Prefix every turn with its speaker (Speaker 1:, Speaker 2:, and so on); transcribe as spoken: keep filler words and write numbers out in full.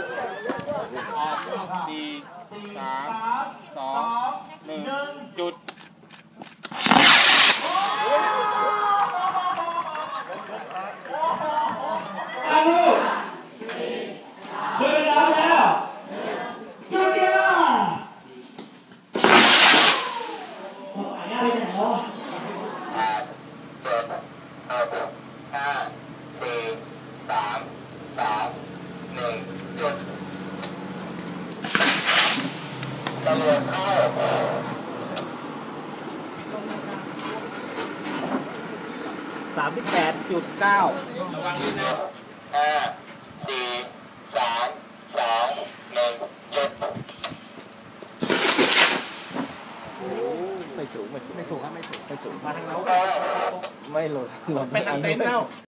Speaker 1: ออกสี่สามสองหนึ่งจุด
Speaker 2: อาลูกเดินแล้วแล้วจุดเดียวหายากไปไหนเนาะ
Speaker 3: แปดเจ็ดหกห้าสี่สามสองหนึ่งจุดตำรวจเข้า
Speaker 4: สามสิบแปดจุดเก้า
Speaker 1: ระวังด้วยนะ
Speaker 3: ห้าสี่สามสองหนึ่งจุด
Speaker 4: ไม่สูงไม่สูง
Speaker 5: ไม่สูงครับไม่สูง
Speaker 4: ไม่สูง
Speaker 5: มาทางเรา
Speaker 4: ไม่หล่นหล่น
Speaker 5: เป็นอันเต็นท์แล้ว